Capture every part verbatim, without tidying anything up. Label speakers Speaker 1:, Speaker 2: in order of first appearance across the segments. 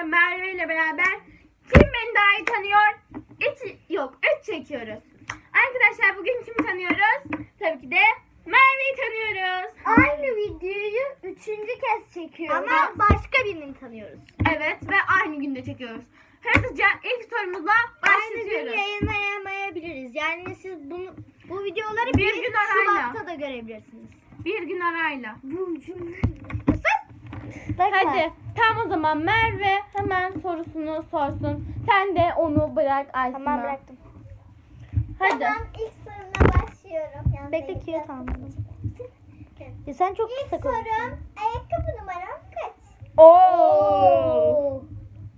Speaker 1: bugün Merve ile beraber kim beni daha iyi tanıyor? Üç, yok üç çekiyoruz. Arkadaşlar bugün kimi tanıyoruz? Tabii ki de Merve'yi tanıyoruz.
Speaker 2: Aynı videoyu üçüncü kez çekiyoruz.
Speaker 1: Ama
Speaker 2: başka birini tanıyoruz.
Speaker 1: Evet ve aynı günde çekiyoruz. Hızlıca ilk sorumuzla
Speaker 2: Aynı gün
Speaker 1: başlıyoruz.
Speaker 2: yayınlayamayabiliriz. Yani siz bunu bu videoları
Speaker 1: Bir
Speaker 2: bir
Speaker 1: gün arayla.
Speaker 2: Şubat'ta da görebilirsiniz.
Speaker 1: Bir gün arayla.
Speaker 2: Bu cümle.
Speaker 1: Hadi tam o zaman Merve hemen sorusunu sorsun. Sen de onu bırak Aysun'a.
Speaker 2: Tamam bıraktım.
Speaker 1: Hadi.
Speaker 3: Tamam, ilk soruna başlıyorum. Yalnız
Speaker 2: Bekle
Speaker 3: elimde-
Speaker 2: kağıt almadım. Ya sen çok
Speaker 3: İlk
Speaker 2: kısa
Speaker 3: sorum,
Speaker 2: konuştun.
Speaker 3: ayakkabı numaram kaç?
Speaker 1: Oo.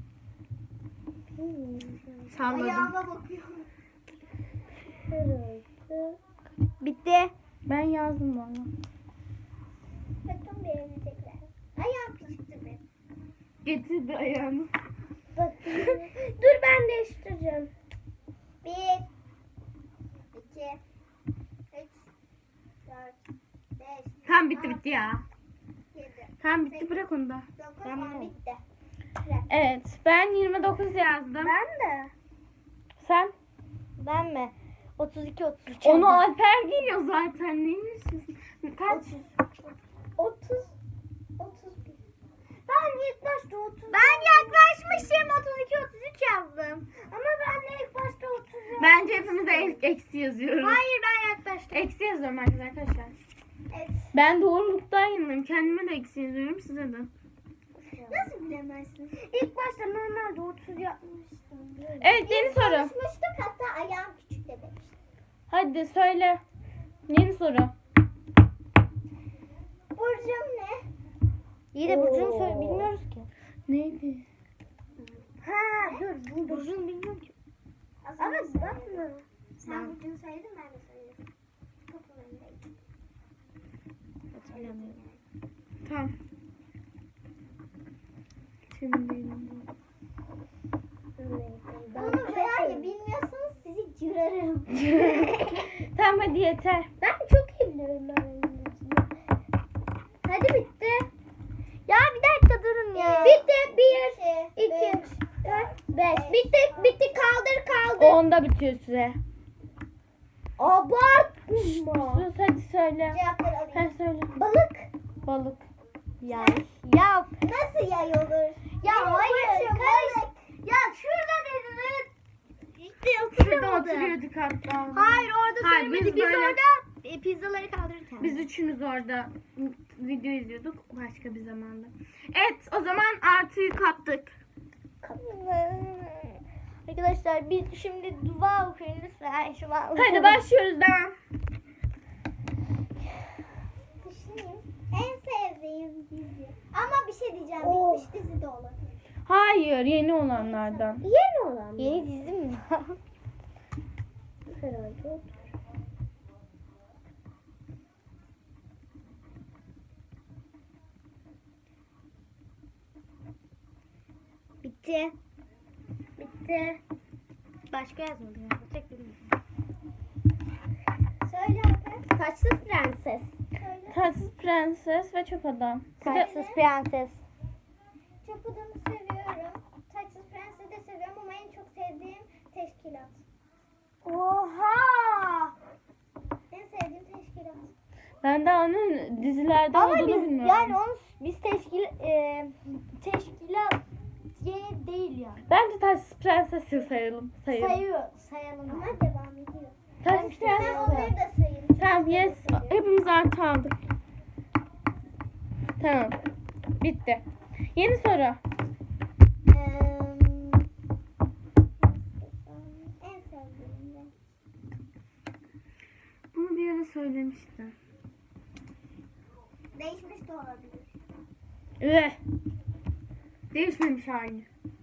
Speaker 1: Salladım.
Speaker 3: Ayağıma bakıyorum.
Speaker 2: Bitti.
Speaker 1: Ben yazdım valla.
Speaker 3: Bakın beğenecekler. Ayağım küçüktü benim.
Speaker 1: Getirdi ayağını.
Speaker 3: Bakın. Dur ben değiştireceğim. Bir, iki, üç, dört, beş,
Speaker 1: Tam bitti bitti ya.
Speaker 3: yedi,
Speaker 1: Tam bitti bırak onu da.
Speaker 3: dokuz,
Speaker 2: Tamam.
Speaker 3: on bitti.
Speaker 1: Evet ben yirmi dokuz yazdım.
Speaker 3: Ben de.
Speaker 1: Sen?
Speaker 2: Ben mi? otuz iki otuz üç.
Speaker 1: Onu Alper giyiyor zaten. Neymiş? Kaç?
Speaker 3: otuz, otuz bir. Ben ilk başta otuz. Ben yaklaşmışım. otuz iki, otuz üç yazdım. Ama ben de ilk başta otuz yazdım.
Speaker 1: Bence hepimiz de ek- eksi yazıyoruz.
Speaker 3: Hayır, ben yaklaştım.
Speaker 1: Eksi yazıyorum arkadaşlar.
Speaker 3: Evet.
Speaker 1: Ben doğruluktan yanındayım. Kendime de eksi yazıyorum size de.
Speaker 3: Nasıl bilemezsin? İlk başta normalde otuz yapmıştım.
Speaker 1: Evet yeni soru.
Speaker 3: Konuşmuştuk, hatta ayağım küçük de demiştim.
Speaker 1: Hadi söyle. Yeni soru.
Speaker 3: Burcum ne?
Speaker 2: İyi de Burcu'nu
Speaker 3: Oo.
Speaker 2: söyle bilmiyoruz ki.
Speaker 1: Neydi?
Speaker 3: Ha dur buldum.
Speaker 2: Burcu'nu bilmiyorum ki.
Speaker 3: Ama bakma. Sen
Speaker 2: Ben-
Speaker 3: burcunu söyledin, ben de söyledim. Kapının önündeydim.
Speaker 2: Hatırlamıyorum.
Speaker 1: Tamam. Şimdi
Speaker 3: Bunu eğer ya bilmiyorsanız sizi cırarım.
Speaker 1: tamam hadi yeter.
Speaker 3: Ben çok iyi biliyorum ben İngilizceyi. Hadi bitti.
Speaker 2: Ya bir dakika durun ya.
Speaker 3: Bitti. Bir, iki, dört, beş. Bitti, bitti. Kaldır, kaldır.
Speaker 1: Onda bitiyor süre.
Speaker 3: Abartma.
Speaker 1: Sus hadi söyle.
Speaker 3: Cevapları alayım.
Speaker 1: Sen söyle.
Speaker 3: Balık.
Speaker 1: Balık.
Speaker 2: Ya. Ya.
Speaker 3: Nasıl yay olur?
Speaker 2: Ya
Speaker 3: Benim
Speaker 2: hayır,
Speaker 3: başım
Speaker 2: karış-
Speaker 3: balık. Ya şurada dedim, evet. İşte
Speaker 1: Şurada
Speaker 3: oturamadı.
Speaker 1: oturuyorduk hatta.
Speaker 2: Hayır orada
Speaker 1: Hayır,
Speaker 2: söylemedi.
Speaker 1: biz
Speaker 2: Biz,
Speaker 1: böyle-
Speaker 2: orada e, pizzaları kaldırırken.
Speaker 1: Biz üçümüz orada video izliyorduk başka bir zamanda. Evet o zaman artıyı kaptık.
Speaker 2: Arkadaşlar biz şimdi dua okuyun lütfen. Şu an
Speaker 1: Hadi başlıyoruz devam.
Speaker 3: Düşüneyim. En sevdiğim dizi. Ama bir şey diyeceğim.
Speaker 2: Oh.
Speaker 3: Bitmiş dizi de olabilir.
Speaker 1: Hayır yeni olanlardan.
Speaker 3: Yeni olan mı?
Speaker 2: Yeni dizi mi?
Speaker 3: Herhalde.
Speaker 2: Bitti.
Speaker 3: Bitti.
Speaker 2: Başka yazmadım. ya. Tek bilmiyorum.
Speaker 3: Söyle Alper. Taçsız prenses. Söyle.
Speaker 1: Tatsız prenses ve çöp adam. Bir de-
Speaker 2: Taçsız prenses.
Speaker 3: Çöp adamı seviyorum. Taçsız prensesi de seviyorum ama en çok sevdiğim teşkilat.
Speaker 2: Oha!
Speaker 3: En sevdiğim teşkilat.
Speaker 1: ben de onun dizilerde
Speaker 2: Ama
Speaker 1: olduğunu
Speaker 2: biz
Speaker 1: bilmiyorum.
Speaker 2: yani onu biz teşkil e, teşkilat yeni değil yani.
Speaker 1: Bence tatsız prenses sayalım. Sayalım.
Speaker 2: Sayıyor, sayalım.
Speaker 3: Ama devam ediyor.
Speaker 1: Tatsız
Speaker 3: Ben
Speaker 1: prenses.
Speaker 3: onları da sayayım.
Speaker 1: Tamam yes. Hepimiz artı aldık. Tamam. Bitti. Yeni soru.
Speaker 3: Eee, en sevdiğim de.
Speaker 1: Bunu bir ara söylemiştim.
Speaker 3: Değişmiş de olabilir.
Speaker 1: Üh. Değişmemiş aynı.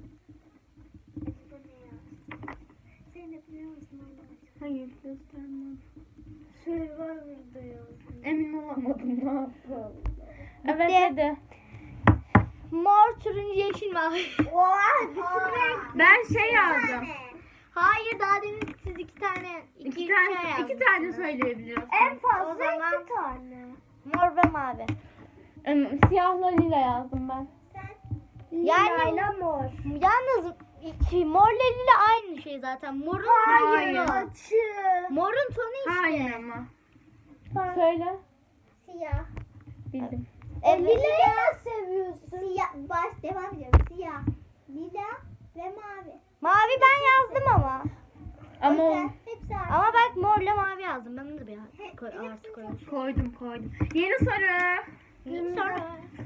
Speaker 3: Bu ne ya? Sen de biliyor musun?
Speaker 1: Hayır göstermem.
Speaker 3: Survivor'da yazdım.
Speaker 1: Emin olamadım ne yapalım. Evet
Speaker 2: Bitti.
Speaker 1: hadi.
Speaker 2: Mor, turuncu, yeşil, mavi.
Speaker 3: Oha! Bütün renk.
Speaker 1: Ben şey yazdım.
Speaker 2: Hayır daha demin siz iki tane iki,
Speaker 1: İki
Speaker 2: şey
Speaker 1: tane, iki
Speaker 2: yazdınız.
Speaker 1: tane söyleyebiliyorsun.
Speaker 3: En fazla
Speaker 2: O zaman-
Speaker 3: iki tane.
Speaker 2: Mor ve mavi.
Speaker 1: Em, Siyahla lila yazdım ben.
Speaker 3: Sen
Speaker 2: Yani
Speaker 3: Lila mor.
Speaker 2: yalnız iki, morla lila aynı şey zaten. Morun
Speaker 1: Hayır.
Speaker 2: tonu.
Speaker 3: Açı.
Speaker 2: Morun tonu işte.
Speaker 1: Hayır ama. Söyle.
Speaker 3: Siyah.
Speaker 1: Bildim.
Speaker 2: Evet.
Speaker 3: Lila seviyorsun. Siyah. Baş devam ediyorum. Siyah. Lila ve mavi.
Speaker 2: Mavi ben yazdım ama.
Speaker 1: Ama
Speaker 3: O
Speaker 1: o-
Speaker 3: yüzden hepsi artı.
Speaker 2: Ama bak morla mavi yazdım. Ben de bir
Speaker 3: He-
Speaker 2: koy,
Speaker 3: hepsini
Speaker 2: artı koyayım.
Speaker 1: koydum koydum. Yeni soru.
Speaker 2: Sonra.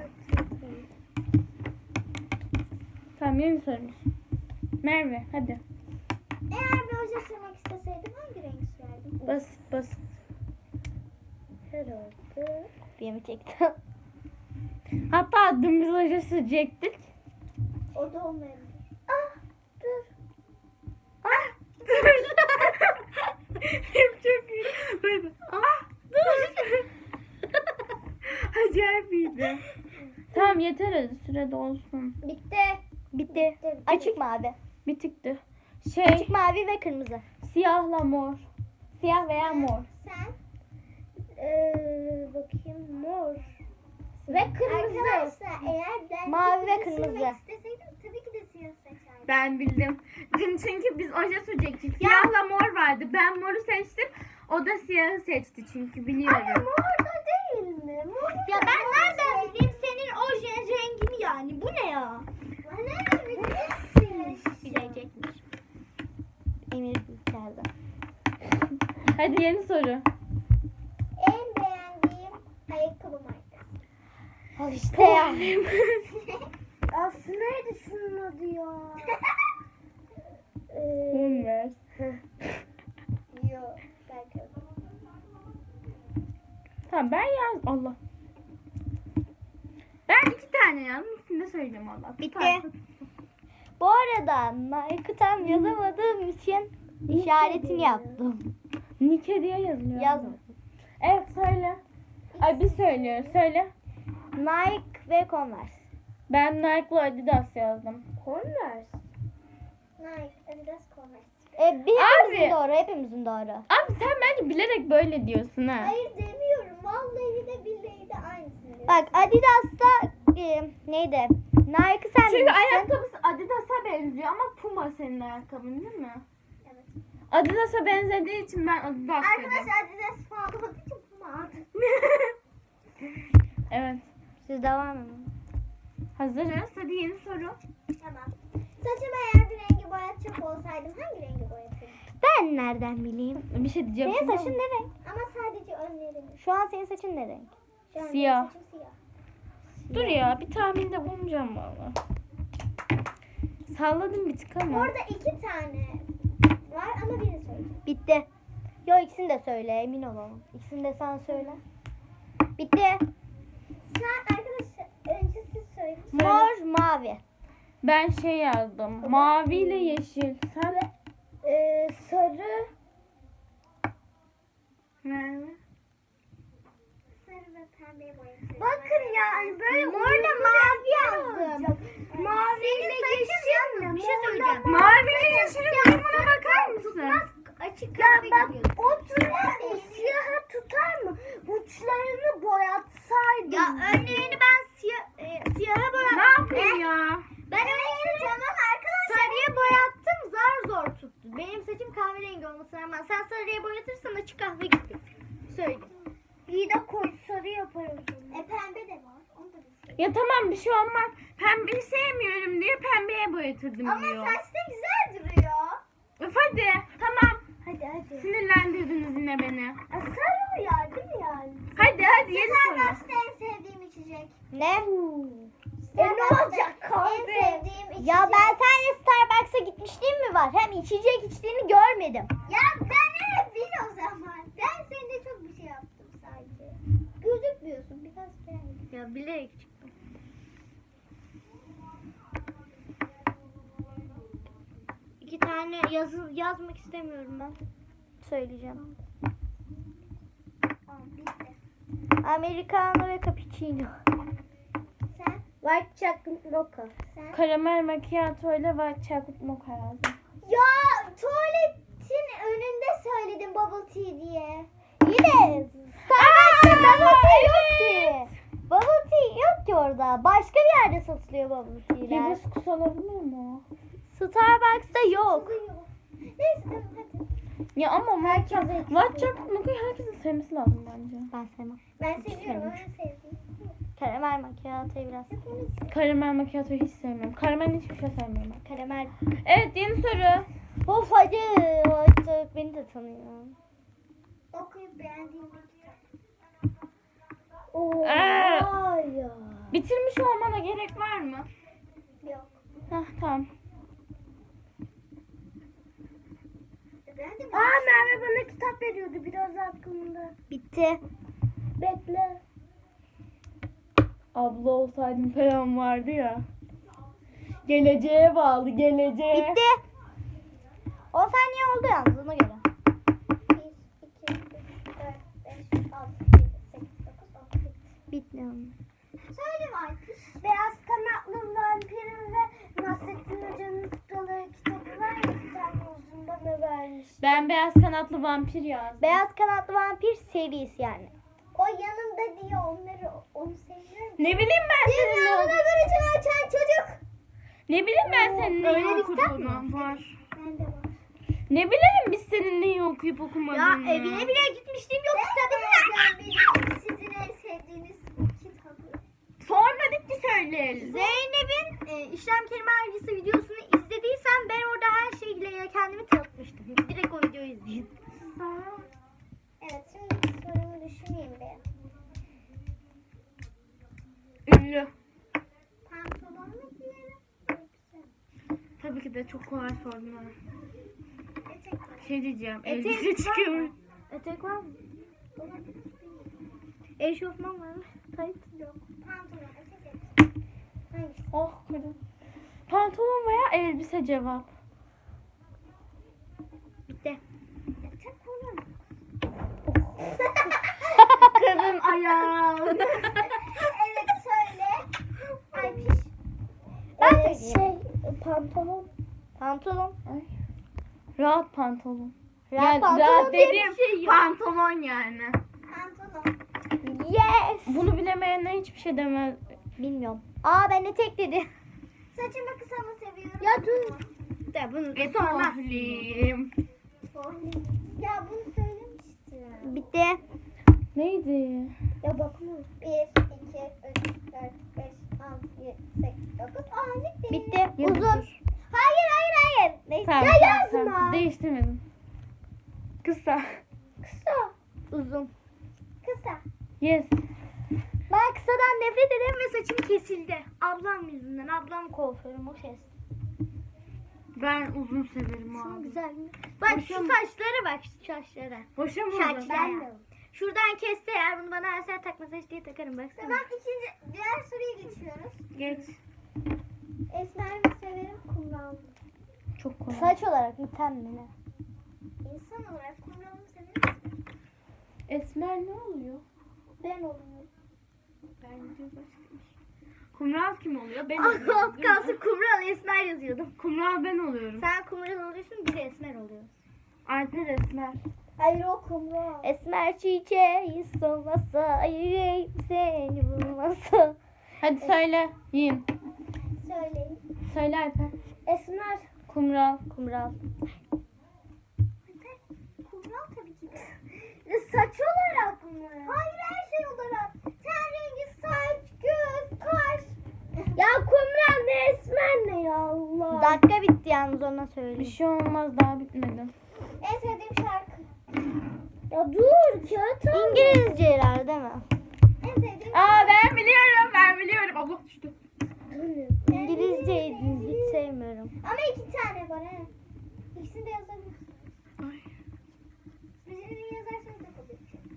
Speaker 1: Tamam yeni sorumuz. Merve hadi.
Speaker 3: Eğer bir oje sürmek isteseydim hangi renk sürerdim?
Speaker 1: Basit basit.
Speaker 3: Herhalde.
Speaker 2: Kopyamı çektim.
Speaker 1: Hatta dümdüz hoca sürecektik.
Speaker 3: O da olmayabilir. Ah dur.
Speaker 1: Ah dur. Hep çok iyi. Böyle. Ah dur. Acayip iyiydi. Tamam yeter hadi sürede olsun.
Speaker 3: Bitti.
Speaker 2: Bitti. Açık mavi.
Speaker 1: Bitikti. Şey
Speaker 2: Açık mavi ve kırmızı.
Speaker 1: siyahla mor. Siyah veya mor.
Speaker 3: Sen? Ee, bakayım mor. Ve kırmızı. Arkadaşlar eğer ben
Speaker 2: Mavi ve
Speaker 3: oje
Speaker 2: kırmızı.
Speaker 3: sürmek isteseydim tabii ki de siyah seçerdim.
Speaker 1: Ben bildim. Dün çünkü biz oje sürecektik. Siyahla mor vardı. Ben moru seçtim. O da siyahı seçti çünkü biliyorum.
Speaker 3: Ama mor da değil mi? Mor
Speaker 2: Ya ben nereden bileyim senin oje rengini yani? Bu ne ya?
Speaker 3: Nereden bilirsin?
Speaker 2: Bilecekmiş. Emir içeride.
Speaker 1: Hadi yeni soru.
Speaker 3: En beğendiğim ayakkabı markası.
Speaker 2: Al işte ya.
Speaker 3: Aslında neydi şunun adı ya? ee,
Speaker 1: Converse.
Speaker 3: yok. Belki.
Speaker 1: Tamam ben yaz. Allah. Ben iki tane yazdım. İkisini de söyleyeceğim Allah.
Speaker 2: Bitti.
Speaker 1: Tutarsa-
Speaker 2: Bu arada Nike tam yazamadığım için işaretini yaptım.
Speaker 1: Nike diye yazılıyor.
Speaker 2: Yazmadım.
Speaker 1: Evet söyle. Ay biz söylüyoruz. Söyle.
Speaker 2: Nike ve Converse.
Speaker 1: Ben Nike'la Adidas yazdım.
Speaker 3: Converse. Nike, Adidas, Converse.
Speaker 2: E, bir hepimizin
Speaker 1: Abi.
Speaker 2: doğru, hepimizin doğru.
Speaker 1: Abi sen bence bilerek böyle diyorsun ha.
Speaker 3: Hayır demiyorum. Vallahi de billahi de aynısını diyorum.
Speaker 2: Bak Adidas'ta e, neydi? Nike sen
Speaker 1: Çünkü
Speaker 2: bilirsin.
Speaker 1: ayakkabısı Adidas'a benziyor ama Puma senin ayakkabın değil mi?
Speaker 3: Evet.
Speaker 1: Adidas'a benzediği için ben Adidas dedim.
Speaker 3: Arkadaşlar Adidas pahalı olduğu için Puma aldım.
Speaker 1: Evet.
Speaker 2: Siz devam edin.
Speaker 1: Hazırız. Hadi yeni soru.
Speaker 3: Tamam. Saçımı eğer bir rengi boyatacak olsaydım hangi rengi boyatırdım?
Speaker 2: Ben nereden bileyim?
Speaker 1: Bir şey diyeceğim.
Speaker 2: Senin
Speaker 1: şimdi
Speaker 2: saçın
Speaker 1: ama-
Speaker 2: ne renk?
Speaker 3: Ama sadece önlerini.
Speaker 2: Şu an senin saçın ne renk?
Speaker 3: Şu an
Speaker 1: Siyah.
Speaker 3: benim saçım siyah.
Speaker 1: Dur ya bir tahminde bulunacağım valla. Salladım bir tık ama.
Speaker 3: Orada iki tane var ama birini söyleyeceğim.
Speaker 2: Bitti. Yo ikisini de söyle emin olalım. İkisini de sen söyle. Bitti.
Speaker 3: Sen arkadaşlar önce siz söyleyin.
Speaker 2: Mor, mavi.
Speaker 1: Ben şey yazdım. Mavi ile yeşil. Sen?
Speaker 3: Ee, sarı.
Speaker 1: Merve.
Speaker 3: Sarı ve pembeye boyatırdım. Bakın yani böyle
Speaker 2: Morla mavi
Speaker 3: yazdım. Mavi ile yeşil mi?
Speaker 2: Bir şey söyleyeceğim.
Speaker 1: Mavi ile yeşilin uyumuna bakar mısın?
Speaker 2: Açık
Speaker 3: Ya bak o tutar mı? Siyahı tutar mı? Uçlarını boyatsaydım.
Speaker 2: Ya önlerini ben siyah, e, siyaha boyattım.
Speaker 1: Ne yapayım ya?
Speaker 2: Ben önlerini tamam arkadaşlar. Sarıya boyattım zar zor tuttu. Benim saçım kahverengi olmasına rağmen sen sarıya boyatırsan açık kahve gibi. Söyle.
Speaker 3: İyi de koyu sarı yaparım sonra. E pembe de var. Onu da bir şey.
Speaker 1: Ya tamam bir şey olmaz. Pembeyi sevmiyorum diye pembeye boyatırdım
Speaker 3: Ama
Speaker 1: diyor.
Speaker 3: saçta güzel duruyor.
Speaker 1: Öf hadi. Tamam.
Speaker 3: Hadi hadi.
Speaker 1: Sinirlendirdiniz yine beni.
Speaker 3: A, sarı uyar değil mi yani?
Speaker 1: Hadi hadi yeni soru.
Speaker 3: Starbucks'ta en sevdiğim içecek.
Speaker 2: Ne?
Speaker 3: E ne olacak kahve? En sevdiğim içecek.
Speaker 2: Ya ben seninle Starbucks'a gitmişliğim mi var? Hem içecek içtiğini görmedim.
Speaker 3: Ya ben ne bil o zaman. Ben seninle çok bir şey yaptım sadece. Gözükmüyorsun biraz gel.
Speaker 2: Ya bilerek çıktım. İki tane yazı yazmak istemiyorum ben. Söyleyeceğim.
Speaker 3: Tamam bitti.
Speaker 2: Americano ve cappuccino.
Speaker 3: Sen?
Speaker 2: White chocolate mocha.
Speaker 3: Sen?
Speaker 1: Karamel macchiato ile white chocolate mocha yazdım.
Speaker 3: Ya tuvaletin önünde söyledim bubble tea diye.
Speaker 2: Yine Starbucks'ta bubble tea yok ki. Bubble tea yok ki orada. Allah. Başka bir yerde satılıyor bubble tea'ler.
Speaker 1: Hibiskus olabilir mi o?
Speaker 2: Starbucks'ta yok.
Speaker 3: Neyse tamam hadi.
Speaker 1: Ya ama
Speaker 3: Herkese
Speaker 1: matcha, matcha makyajı herkesin sevmesi lazım bence.
Speaker 2: Ben sevmem.
Speaker 3: Ben seviyorum. Ben sevdim.
Speaker 2: Karamel macchiato'yu biraz.
Speaker 1: Karamel macchiato'yu hiç sevmiyorum. Karamel hiçbir şey sevmiyorum ben.
Speaker 2: Karamel.
Speaker 1: Evet, yeni soru.
Speaker 2: Of hadi. Artık beni de tanıyor.
Speaker 3: Okuyup beğendiğim bir kitap.
Speaker 2: Oo,
Speaker 1: Aa!
Speaker 2: ya.
Speaker 1: Bitirmiş olmana gerek var mı?
Speaker 3: Yok.
Speaker 1: Hah, tamam.
Speaker 3: Ben de
Speaker 2: Aa,
Speaker 3: Merve bana kitap veriyordu biraz hakkında.
Speaker 2: Bitti.
Speaker 3: Bekle.
Speaker 1: Abla olsaydım falan vardı ya. Geleceğe bağlı, geleceğe.
Speaker 2: Bitti. on saniye oldu yalnız ona göre.
Speaker 3: bir, iki, üç, dört, beş, altı, yedi, sekiz, dokuz, on.
Speaker 2: Bitti.
Speaker 3: Söyle Markus. Beyaz kanatlı vampirin ve Nasrettin Hoca'nın Kutuları kitabı var ya, bir tane uzun bana vermiş.
Speaker 1: Ben beyaz kanatlı vampir yazdım.
Speaker 2: Beyaz kanatlı vampir serisi yani.
Speaker 3: O yanımda diye onları onu seviyorum.
Speaker 1: Ne bileyim ben senin ne,
Speaker 3: Dünyanın öbür açan çocuk.
Speaker 1: ne bileyim ben senin
Speaker 2: öyle
Speaker 1: neyi
Speaker 2: bir kitap
Speaker 1: okuduğunu. Var.
Speaker 3: Ben de var.
Speaker 1: Ne bileyim biz senin neyi okuyup okumadığını.
Speaker 2: Ya evine bile gitmiştim yok kitabı.
Speaker 3: Ben bilmiyorum sizin en sevdiğiniz kitabı.
Speaker 1: Sormadık ki söyleyelim.
Speaker 2: Zeynep'in e, işlem kelime harcısı videosunu izlediysen ben orada her şeyle kendimi tanıtmıştım. Direkt o videoyu izleyin.
Speaker 3: Evet, şimdi bir sorumu düşüneyim bir.
Speaker 1: Ünlü.
Speaker 3: Pantolon mu giyerim? Elbise.
Speaker 1: Tabii ki de çok kolay sordun ha.
Speaker 3: Etek var.
Speaker 1: Bir şey diyeceğim.
Speaker 2: Etek
Speaker 1: Elbise
Speaker 2: var
Speaker 1: çıkıyor.
Speaker 2: mı? Etek var mı?
Speaker 3: Olabilir.
Speaker 2: Eşofman var mı? Tayt.
Speaker 3: Yok. Pantolon, etek, elbise. Hangisi?
Speaker 1: Oh kadın. Pantolon veya elbise cevap.
Speaker 2: Bitti.
Speaker 3: Etek olur mu?
Speaker 1: Kadın ayağım.
Speaker 3: Evet, söyle. Ay piş.
Speaker 2: Ben
Speaker 3: Ee,
Speaker 2: söyleyeyim.
Speaker 3: şey, pantolon.
Speaker 2: Pantolon.
Speaker 1: Ay. Rahat pantolon.
Speaker 2: Rahat
Speaker 1: Yani
Speaker 2: pantolon
Speaker 1: rahat
Speaker 2: diye bir
Speaker 1: dediğim
Speaker 2: şey yok.
Speaker 1: pantolon yani.
Speaker 3: Pantolon.
Speaker 2: Yes.
Speaker 1: Bunu bilemeyenler hiçbir şey demez.
Speaker 2: Bilmiyorum. Aa ben etek dedi.
Speaker 3: Saçımı kısa mı seviyorum?
Speaker 2: Ya dur. De bunu da sormaz.
Speaker 1: Etoğlim.
Speaker 3: Ya bunu söylemiştim.
Speaker 2: Bitti.
Speaker 1: Neydi?
Speaker 3: Ya bakma. bir, iki, üç, dört, beş, altı, yedi, sekiz, dokuz, on. Bitti.
Speaker 2: Bitti.
Speaker 1: Yazık.
Speaker 2: Uzun.
Speaker 3: Hayır hayır hayır. Neyse.
Speaker 1: Tamam,
Speaker 3: Ya
Speaker 1: tamam,
Speaker 3: yazma.
Speaker 1: tamam. Değiştirmedim. Kısa.
Speaker 3: Kısa.
Speaker 2: Uzun.
Speaker 3: Kısa.
Speaker 1: Yes.
Speaker 2: Ben kısadan nefret ederim ve saçım kesildi. Ablam yüzünden. Ablam kuaförüm o kes.
Speaker 1: Ben uzun severim
Speaker 2: Şunu
Speaker 1: abi.
Speaker 2: güzel mi? Bak şu
Speaker 1: Boşa mı?
Speaker 2: saçlara bak şu saçlara.
Speaker 1: Boşa mı
Speaker 2: Şarkı
Speaker 1: uzun?
Speaker 2: ben de. Şuradan kesse eğer bunu bana versen takma saç diye takarım baksana.
Speaker 3: Tamam, ikinci diğer soruya geçiyoruz.
Speaker 1: Geç.
Speaker 3: Esmer mi severim, kumral mı?
Speaker 1: Çok kolay.
Speaker 2: Saç olarak mı ten mi ne?
Speaker 3: İnsan olarak kumral mı severim?
Speaker 1: Esmer ne oluyor?
Speaker 3: Ben oluyorum.
Speaker 1: Bence başka bir şey. Kumral kim oluyor? Ben
Speaker 2: Az
Speaker 1: oluyorum. değil mi?
Speaker 2: kalsın kumral esmer yazıyordum.
Speaker 1: Kumral ben oluyorum.
Speaker 2: Sen kumral oluyorsun bir de esmer oluyorsun.
Speaker 1: Alper Esmer.
Speaker 3: Hayır, o kumral.
Speaker 2: Esmer çiçeği solmasa yüreğim seni bulmasa.
Speaker 1: Hadi söyle. Yiyin.
Speaker 3: Söyleyin.
Speaker 1: Söyle Alper.
Speaker 3: Esmer.
Speaker 1: Kumral.
Speaker 2: Kumral.
Speaker 3: Kumral tabii ki de. Ya saç olarak mı? Hayır, her şey olarak. Ten rengi, saç, göz, kaş. Ya kumral ne, esmer ne ya Allah.
Speaker 2: Dakika bitti yalnız ona
Speaker 1: Bir
Speaker 2: söyleyeyim.
Speaker 1: şey olmaz, daha bitmedi.
Speaker 3: En sevdiğim şarkı. Ya dur, kağıt al.
Speaker 2: İngilizceler değil mi?
Speaker 3: En sevdiğim
Speaker 1: Aa, ben biliyorum, ben biliyorum. Allah düştü.
Speaker 2: İngilizceyi hiç sevmiyorum.
Speaker 3: Ama iki tane var he. İkisini de yazabilirsin.
Speaker 1: Ay.
Speaker 3: Birini yazarsanız da kabul edeceğim.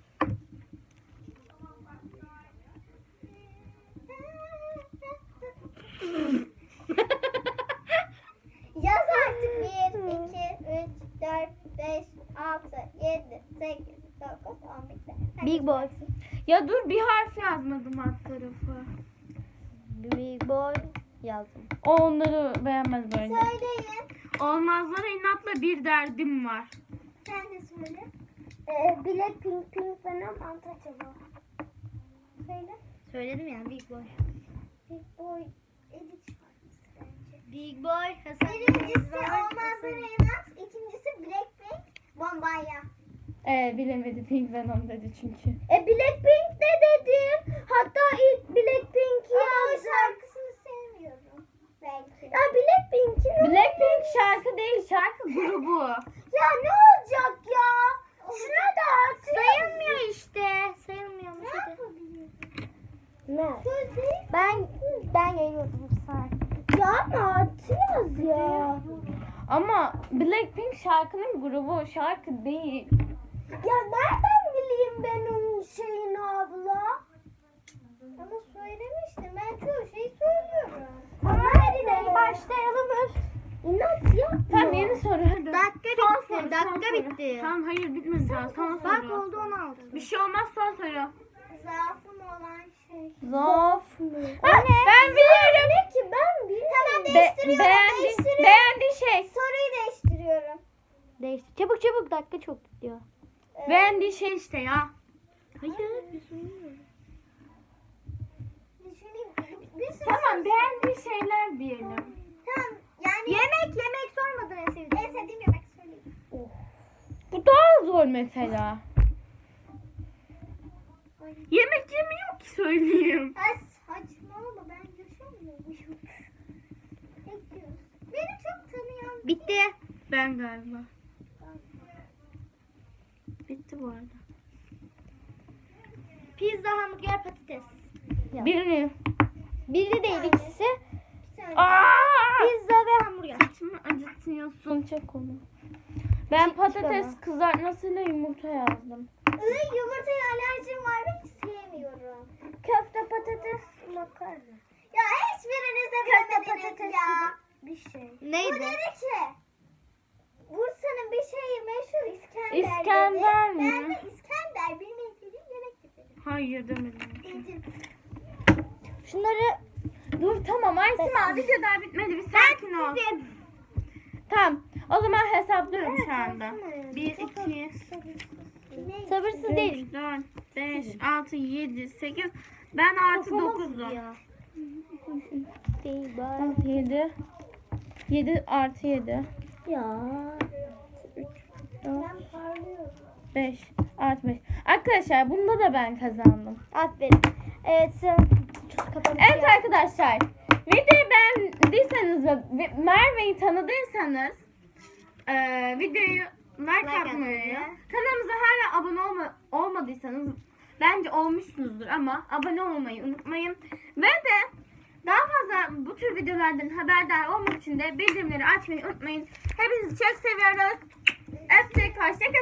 Speaker 3: Yaz artık. bir, iki, üç, dört, beş, altı, yedi, sekiz, dokuz, on bitti. Hadi.
Speaker 2: Big boy.
Speaker 1: Ya dur, bir harf yazmadım alt tarafı.
Speaker 2: Big boy yazdım.
Speaker 1: O onları beğenmez böyle.
Speaker 3: Söyleyin.
Speaker 1: Olmazlara inatla bir derdim var.
Speaker 3: Sen de söyle. Ee, Blackpink, Pink Venom, Untouchable. Söyle.
Speaker 2: Söyledim ya Big boy.
Speaker 3: Big Boy edit şarkısı bence.
Speaker 2: Big Boy.
Speaker 3: Birincisi Olmazlar Reynaz, ikincisi Blackpink, Bombaya.
Speaker 1: Ee, bilemedi, Pink Venom dedi çünkü.
Speaker 3: E Blackpink de dedim. Hatta ilk Blackpink'i yazdım. Ama o şarkısını sevmiyorum. Belki. Ya Blackpink'in
Speaker 1: Blackpink şarkı değil, şarkı grubu.
Speaker 3: Ya ne olacak ya? Şuna da artık.
Speaker 2: Sayılmıyor işte. Sayılmıyormuş.
Speaker 3: Ne
Speaker 2: hadi.
Speaker 3: yapabilirim?
Speaker 2: Ne?
Speaker 3: Söz değil.
Speaker 2: Ben ben yayıyordum sen.
Speaker 3: Ya ama artı yaz ya.
Speaker 1: Ama Blackpink şarkının grubu, şarkı değil.
Speaker 3: Ya nereden bileyim ben onun şeyini abla? Ama söylemiştim. Ben çoğu şeyi söylüyorum.
Speaker 2: Tamam hadi başlayalım.
Speaker 3: İnat yapma.
Speaker 1: Tamam, yeni soru hadi.
Speaker 2: Dakika
Speaker 1: Son
Speaker 2: bitti,
Speaker 1: soru,
Speaker 2: dakika
Speaker 1: son soru.
Speaker 2: bitti.
Speaker 1: Tamam, hayır bitmedi daha. Son
Speaker 2: Bak
Speaker 1: soru.
Speaker 2: oldu on altı.
Speaker 1: Bir şey olmaz, son soru.
Speaker 3: Zaafım olan şey.
Speaker 1: Zaaf mı?
Speaker 3: O
Speaker 1: Ha,
Speaker 3: ne?
Speaker 1: ben biliyorum.
Speaker 3: Ne ki ben biliyorum. Tamam
Speaker 1: Be-
Speaker 3: değiştiriyorum.
Speaker 1: beğendi,
Speaker 3: değiştiriyorum.
Speaker 1: beğendiği şey.
Speaker 3: Soruyu değiştiriyorum.
Speaker 2: Değişti. Çabuk çabuk dakika çok gidiyor.
Speaker 3: Ee,
Speaker 1: Beğendiği şey işte ya.
Speaker 2: Hayır.
Speaker 3: Düşüneyim. Bir sürü
Speaker 1: Tamam,
Speaker 3: soru-
Speaker 1: beğendiği şeyler diyelim.
Speaker 3: Tamam yani.
Speaker 2: Yemek yemek sormadın en sevdiğin.
Speaker 3: En sevdiğim yemek söyleyeyim.
Speaker 1: Bu daha zor mesela. Yemek yemiyor ki söyleyeyim.
Speaker 3: Ay saçmalama ben yaşamıyor muyum? Bekliyoruz. Beni çok tanıyan.
Speaker 2: Bitti.
Speaker 1: Ben galiba. Bitti bu arada.
Speaker 2: Pizza, hamburger, patates.
Speaker 1: Birini.
Speaker 2: Biri değil ikisi.
Speaker 3: Bir tane.
Speaker 1: Aa!
Speaker 2: Pizza ve hamburger.
Speaker 1: Saçımı acıtıyorsun, çek onu. Ben patates
Speaker 2: ama.
Speaker 1: kızartmasıyla yumurta yazdım.
Speaker 3: Iı, yumurtaya alerjim var ve hiç sevmiyorum. Köfte patates makarna. Ya hiçbiriniz de bilemediniz ya. Bir şey.
Speaker 2: Neydi?
Speaker 3: Bu dedi ki Bursa'nın bir şeyi meşhur İskender,
Speaker 1: İskender
Speaker 3: dedi.
Speaker 1: mi?
Speaker 3: Ben de İskender bilmeyi dedim yemek dedim.
Speaker 1: Hayır demedim.
Speaker 3: Dedim.
Speaker 2: Şunları
Speaker 1: Dur tamam Aysima, video daha bitmedi, bir sakin ol. Tamam, o zaman hesaplıyorum şu anda. bir, iki,
Speaker 3: Ne?
Speaker 2: sabırsız değil.
Speaker 1: üç, dört, beş, altı, yedi, sekiz. Ben artı dokuzum.
Speaker 2: Değil bari.
Speaker 1: yedi. yedi artı yedi.
Speaker 2: Ya.
Speaker 3: Ben parlıyorum.
Speaker 1: beş artı beş. Arkadaşlar bunda da ben kazandım.
Speaker 2: Aferin. Evet sen kapanış
Speaker 1: Evet
Speaker 2: yap.
Speaker 1: arkadaşlar, videoyu beğendiyseniz ve ve Merve'yi tanıdıysanız eee videoyu like,
Speaker 2: Like
Speaker 1: atmayı,
Speaker 2: atmayı.
Speaker 1: kanalımıza hala abone olma, olmadıysanız bence olmuşsunuzdur ama abone olmayı unutmayın. Ve de daha fazla bu tür videolardan haberdar olmak için de bildirimleri açmayı unutmayın. Hepinizi çok seviyoruz. Öptük, hoşça kalın.